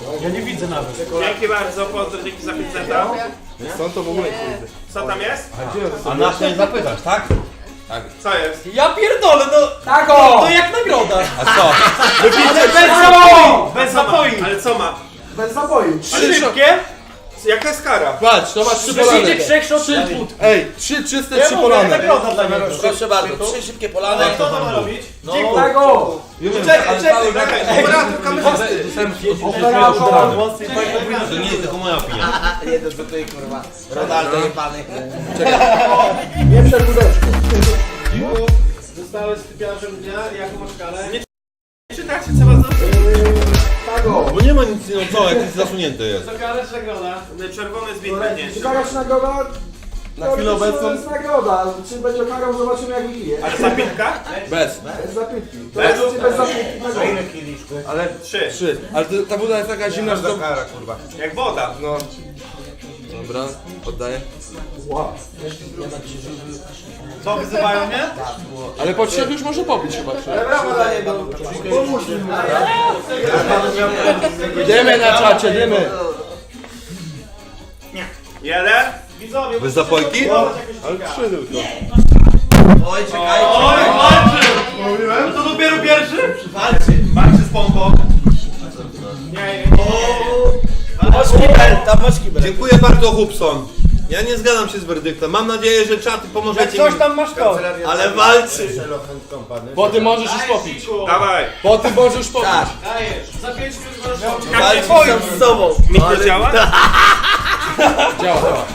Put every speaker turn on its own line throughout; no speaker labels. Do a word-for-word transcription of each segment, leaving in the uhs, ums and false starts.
Ja nie widzę nawet.
Dzięki bardzo, pozdro, dzięki za pięć zeta.
Stąd to w ogóle nie widzę.
Co tam jest?
A nas nie zapytasz, tak?
Co jest?
Ja pierdolę, no!
Tak
To
o!
jak nagroda!
A co?
Ale bez zapoi! Bez
Co ma?
zapoi!
Ale co ma?
Bez zapoi.
Trzy szybkie?
Jaka jest kara?
Patrz, to masz trzy
Przyjdzie
polane.
trzech shot trzy put.
Ej, trzy czyste,
Ja
trzy
mówię,
polane.
nagroda dla niego.
Proszę bardzo, trzy szybkie polane.
Kto to ma robić?
Dziękuję.
Tak o!
Czekaj, czekaj, czekaj. Operator kamerzysty.
To nie jest tylko moja opinia.
Jeden do tej kurwa. Ronaldo jebany.
Nie przekudeczku.
Zostałeś typiarzem dnia, jaką masz karę?
Czytacie, trzeba zrobić.
Tak o!
Bo nie ma nic, no co, jak jest zasunięte jest.
To karę czy nagroda?
Czerwony z winny,
Czy kara czy nagroda?
Na chwilę obecną
To jest nagroda. Czy będzie karą, zobaczymy jak wypije.
Ale zapiętka?
bez.
Bez zapytki. To jest czy bez zapytki. Tak o.
Ale
Trzy.
trzy. Ale to, ta woda jest taka zimna, że to...
Jak woda.
No. Dobra, oddaję.
Co, wyzywają mnie?
Ale po trzech już może popić chyba.
Brawo dla niego. Pomóż mi.
Idziemy na czacie, idziemy.
Jeden.
Widzowie,
Bez zapojki?
Ale trzy tylko.
Oj, czekaj,
Oj,
czekaj.
walczy! Mówiłem? To dopiero pierwszy?
Walczy.
Walczy z pompą.
Nie,
Masz kibel, tam masz kibel.
Dziękuję bardzo, Hubson. Ja nie zgadzam się z werdyktem. Mam nadzieję, że czaty
jak
pomożecie
coś
mi.
tam masz to.
Ale walczy.
Po tym możesz już popić.
Dawaj.
Po tym możesz już popić.
Tak.
Dajesz. Za pięć minut możesz robić.
Walczy sam z sobą.
Mi to działa?
Działa, działa.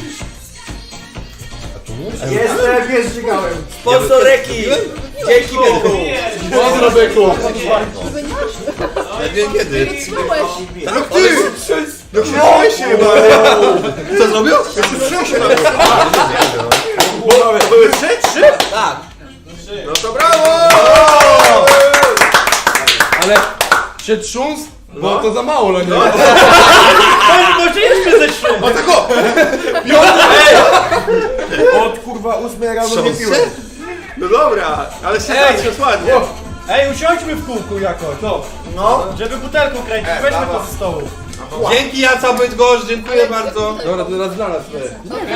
Jestem, jest dźwigałem.
Sponsor Reki. Dzięki Byku.
Pozdro, byku.
Ja wiem kiedy.
No ty! No się się chyba.
Co zrobił?
To były trzy? Trzy?
Tak.
No to brawo!
Ale się trząs? Bo to za mało, no nie?
Może jeszcze ze trzy.
O tako!
Od kurwa ósmej rano nie piłem.
No dobra, ale się zacznie ładnie.
Ej, usiądźmy w kółku jakoś. Co?
No.
Żeby butelką kręcić. Weźmy to ze stołu.
Dzięki, Jaca Bydgoszcz, dziękuję bardzo.
Dobra, to teraz dla nas.